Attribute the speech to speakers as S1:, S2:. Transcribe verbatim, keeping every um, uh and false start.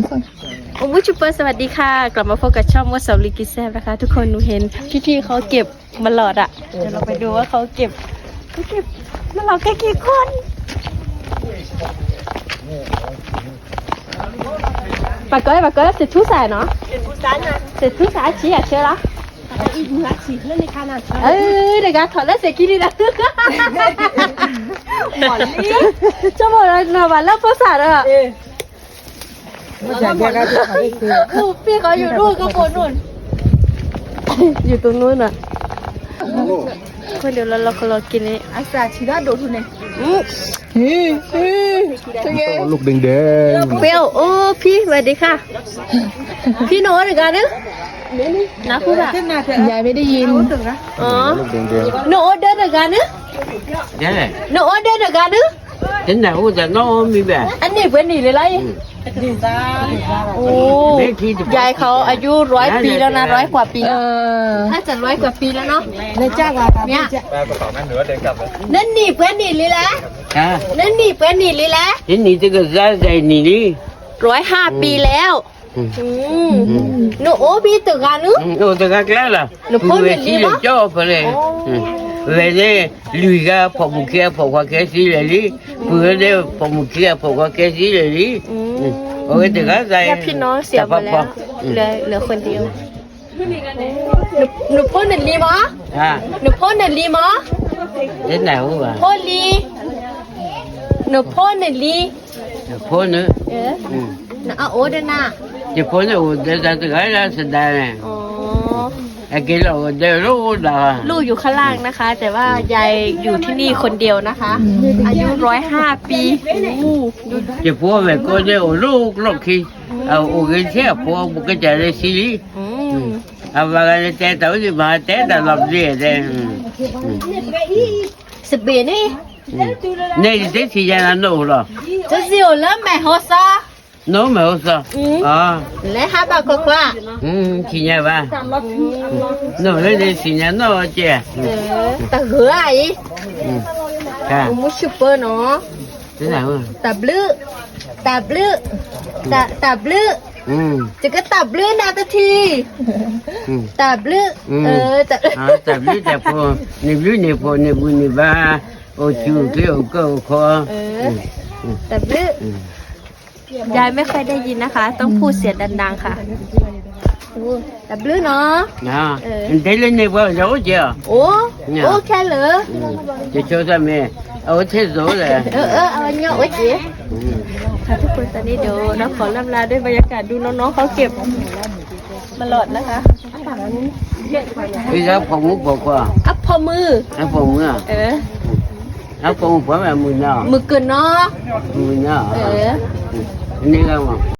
S1: โอ้ยชุปเปอร์สวัสดีค่ะกลับมาพบกับช่องวัดเสาลิกิแซมนะคะทุกคนหนูเห็นพี่ๆเขาเก็บมาหลอดอ่ะเดี๋ยวเราไปดูว่าเขาเก็บเขาเก็บมาหลอดแค่กี่คนปากก้อยปากก้อยเสร็จทุกสายเนาะเสร็จทุกสายชี้อ่ะเชื่อละอีกมือชี้เล่นในคานาเอ้ยเด็กถอดแล้วเสร็จกี่ดีละหมอนนี่จะหมดแล้วนะวันแล้วภาษาอ่ะไม่ใช่แค่การจะขายคือพี่เขาอยู่นู่นก็บนนู่นอยู่ตรงนู้นอ่ะคนเดี๋ยวเราเราก็รอกินนี่อาซาชิดาโดทุนเนี่ยอืมฮีฮี
S2: ลูกแดงแดง
S1: เปรี้ยวโอ้พี่สวัสดีค่ะพี่โน้ตหรือกันเนี่ยนะพูดอะยายไม่ได้ยินอ๋อ
S2: ลูกแดงแดง
S1: โน้ตเดินหรือกันเนี่ยโน้ตเดินหรือกันเนี่ย
S3: thế nào cũngจะน้องมีแบบ
S1: อันนี้เป็นหนีเลยไรโอ้ยายเขาอายุร้อยปีแล้วนะร้อยกว่าปีถ้าจะร้อยกว่าปีแล้วเนาะเนี่ยจ้าว่าเนี่ย
S2: แม่กระเป๋าแม่เหนือเดินกลับเลย
S1: นั่นหนีเป็นหนีเลยแหละนั่นหนีเป็นหนีเลยแหละ
S3: thế nhỉ这个在在你哩
S1: ร้อยห้าปีแล้วหนูโอ้พี่ตึกกันนึ
S3: โอ้ตึกกันแล้วล่ะหนูพูดอย่างนี้มั้ยจ่อไปเลยเวลาลุยก็พอมุขแค่พอว่าแค่สิเลยลิเพื่อเดี๋ยวพอมุขแค่พอว่าแค่สิเลยลิโอ้ยตึกกันใจ
S1: พี่น้องเสียไปแล้วเหลือเหลือคนเดียวหนูหนูพูดหนึ่งลีมั้ยหนูพูดหนึ่งลีมั้ย
S3: thế nào cũng vậy
S1: พูดลีหนูพูดหนึ่งลี
S3: พูดnữa
S1: เออน่ะเอาโอ้เด้อน่ะ
S3: จะพูดเนี่ยเดี๋ยวจะตึกกันแล้วสุดท้ายเนี่ย
S1: อ๋อ
S3: ไอ้กิโลเดี๋ยวรู้ด่า
S1: ลูกอยู่ข้างล่างนะคะ แต่ว่ายายอยู่ที่นี่คนเดียวนะคะอายุร้อยห้าปี
S3: จะพูดแบบก็เดี๋ยวรู้ลูกขี้เอาโอเคเสียพูดบุกจะได้สิลิเอาว่ากันแต่ตัวที่มาแต่แต่หลับเสียแต่
S1: สิบเอ็ดนี่
S3: นี่จะที่จะนั่นรู้หรอ
S1: จะเสียวแล้วแม่หัวซา
S3: โน้มไม่รู้สิอ๋อ
S1: แล้วหาบางคนว่า
S3: อืมที่ไหนบ้างโน้เลยที่ที่ไหนโน้เจ้
S1: ตาเหือไอ้
S3: ค่ะ
S1: มุชเปอร์เนาะ
S3: ที่ไหนวะ
S1: ตาบลื้อตาบลื้อตาตาบลื้อ
S3: อืม
S1: จะก็ตาบลื้อนาตาทีตาบลื้อเออตา
S3: อ๋อตาบลื้อแต่พอนี่บลื้อนี่พอนี่บุญนี่บ้าโอ้ชูเกี่ยวก็คอ
S1: เออตาบลื้อยายไม่ค่อยได้ยินนะคะต้องพูดเสียงดังๆค่ะตาบลื้อเนาะ
S3: อ่าเดี๋ยวนี่ว่ารู้เจ้า
S1: โอ้โอ้แค่เหรอ
S3: จะช่วยทำไมเอาเท่สุดเลย
S1: เออเออเอาเงี้ยโอ้ยจีค่ะทุกคนตอนนี้เดี๋ยวน้องขอลำลาด้วยบรรยากาศดูน้องๆเขาเก็บมาหลอดนะคะ
S3: พี่ครับผมมุกบอกว่า
S1: อัพพอมือ
S3: อัพพอมือ
S1: เออ
S3: อัพพอมือผมแบบมือเนาะ
S1: มือเกินเนาะ
S3: มือเนาะ
S1: เออ
S3: นี่ก็ว่า